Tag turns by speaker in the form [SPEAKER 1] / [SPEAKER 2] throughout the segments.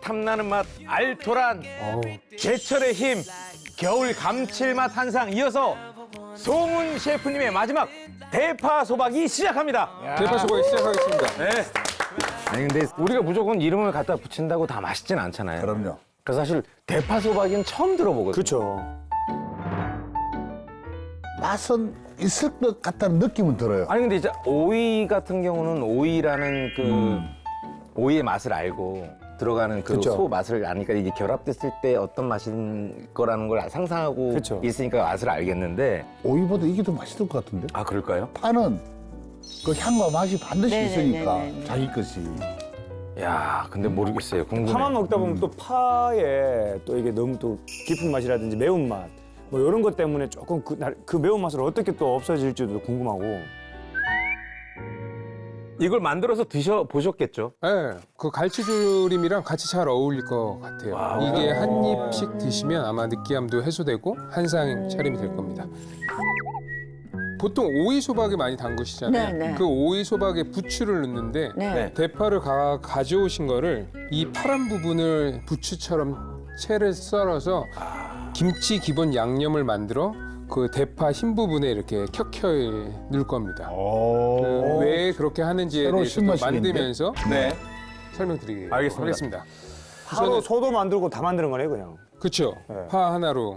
[SPEAKER 1] 탐나는 맛 알토란, 제철의 힘 겨울 감칠맛 한상, 이어서 송은 셰프님의 마지막 대파 소박이 시작합니다.
[SPEAKER 2] 대파 소박이 시작하겠습니다.
[SPEAKER 1] 네. 아니 근데 우리가 무조건 이름을 갖다 붙인다고 다 맛있진 않잖아요.
[SPEAKER 3] 그럼요.
[SPEAKER 1] 그래서 사실 대파 소박이는 처음 들어보거든요.
[SPEAKER 2] 그렇죠.
[SPEAKER 3] 맛은 있을 것 같다는 느낌은 들어요.
[SPEAKER 1] 아니 근데 이제 오이 같은 경우는 오이라는 그 오이의 맛을 알고 들어가는 그
[SPEAKER 2] 그쵸.
[SPEAKER 1] 소 맛을 아니까 이게 결합됐을 때 어떤 맛인 거라는 걸 상상하고
[SPEAKER 2] 그쵸.
[SPEAKER 1] 있으니까 맛을 알겠는데.
[SPEAKER 3] 오이보다 이게 더 맛있을 것 같은데?
[SPEAKER 1] 아 그럴까요?
[SPEAKER 3] 파는 그 향과 맛이 반드시 있으니까
[SPEAKER 4] 네네네네.
[SPEAKER 3] 자기 것이.
[SPEAKER 1] 야 근데 모르겠어요. 궁금해.
[SPEAKER 2] 파만 먹다 보면 또 파에 또 이게 너무 또 깊은 맛이라든지 매운맛 뭐 이런 것 때문에 조금 그 매운맛을 어떻게 또 없어질지도 궁금하고.
[SPEAKER 1] 이걸 만들어서 드셔 보셨겠죠?
[SPEAKER 5] 네, 그 갈치조림이랑 같이 잘 어울릴 것 같아요.
[SPEAKER 1] 와우.
[SPEAKER 5] 이게 한 입씩 드시면 아마 느끼함도 해소되고 한상 차림이 될 겁니다. 보통 오이 소박에 많이 담그시잖아요.
[SPEAKER 4] 네, 네.
[SPEAKER 5] 그 오이 소박에 부추를 넣는데
[SPEAKER 4] 네.
[SPEAKER 5] 대파를 가져오신 거를 이 파란 부분을 부추처럼 채를 썰어서 김치 기본 양념을 만들어 그 대파 흰 부분에 이렇게 켜켜이 넣을 겁니다. 왜 그렇게 하는지에
[SPEAKER 3] 새로운
[SPEAKER 5] 대해서 또
[SPEAKER 3] 신맛이겠는데?
[SPEAKER 5] 만들면서
[SPEAKER 1] 네.
[SPEAKER 5] 설명드리겠습니다.
[SPEAKER 1] 알겠습니다.
[SPEAKER 2] 파로 소도 만들고 다 만드는 거네 그냥.
[SPEAKER 5] 그렇죠.
[SPEAKER 2] 네.
[SPEAKER 5] 파 하나로.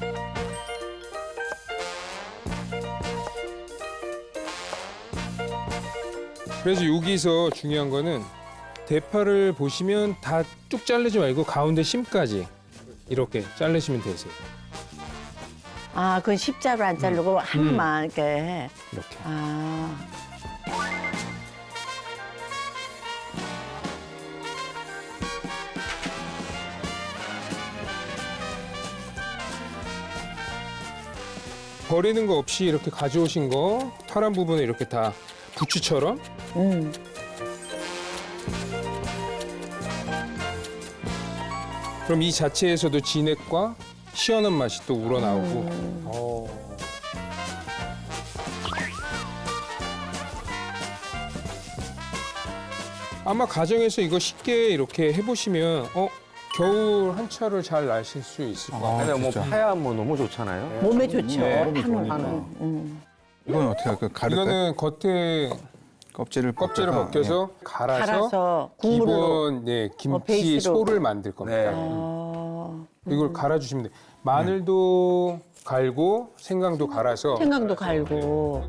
[SPEAKER 5] 그래서 여기서 중요한 거는 대파를 보시면 다 쭉 자르지 말고 가운데 심까지 이렇게 자르시면 되세요.
[SPEAKER 4] 아, 그건 십자로 안 자르고 하나만 이렇게 해.
[SPEAKER 5] 이렇게.
[SPEAKER 4] 아,
[SPEAKER 5] 버리는 거 없이 이렇게 가져오신 거 파란 부분에 이렇게 다 부추처럼
[SPEAKER 4] 음.
[SPEAKER 5] 그럼 이 자체에서도 진액과 시원한 맛이 또 우러나오고 아마 가정에서 이거 쉽게 이렇게 해보시면 겨울 한철을 잘 나실 수 있을 것 같아요.
[SPEAKER 1] 근데 뭐 파야 뭐 너무 좋잖아요.
[SPEAKER 4] 몸에 좋죠.
[SPEAKER 1] 네.
[SPEAKER 4] 파는.
[SPEAKER 6] 이건 어떻게 할까요? 가릴까요?
[SPEAKER 5] 이거는 겉에
[SPEAKER 6] 껍질을
[SPEAKER 5] 껍질을 벗겨서 갈아서
[SPEAKER 4] 갈아서 국물로.
[SPEAKER 5] 기본 김치
[SPEAKER 4] 베이스로.
[SPEAKER 5] 소를 만들 겁니다.
[SPEAKER 1] 네.
[SPEAKER 4] 어,
[SPEAKER 5] 이걸 갈아주시면 돼요. 마늘도 갈고 생강도 갈아서
[SPEAKER 4] 생강도 갈고.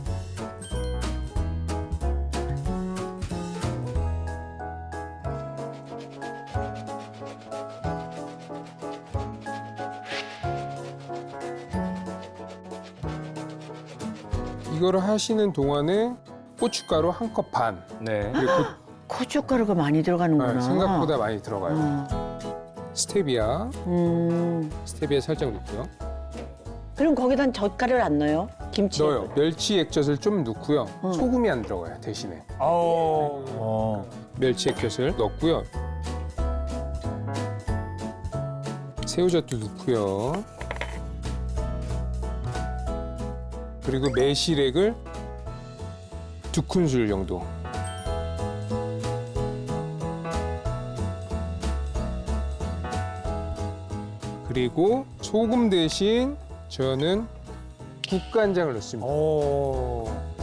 [SPEAKER 5] 이거를 하시는 동안에 고춧가루 한 컵 반.
[SPEAKER 1] 네.
[SPEAKER 5] 그리고
[SPEAKER 4] 고춧가루가 많이 들어가는구나.
[SPEAKER 5] 생각보다 많이 들어가요.
[SPEAKER 4] 어.
[SPEAKER 5] 스테비아,
[SPEAKER 4] 음.
[SPEAKER 5] 스테비아 살짝 넣고요.
[SPEAKER 4] 그럼 거기다 젓갈을 안 넣어요? 김치.
[SPEAKER 5] 넣어요. 멸치 액젓을 좀 넣고요. 소금이 안 들어가요 대신에. 멸치 액젓을 넣고요. 새우젓도 넣고요. 그리고 매실액을 2큰술 정도. 그리고 소금 대신 저는 국간장을 넣습니다.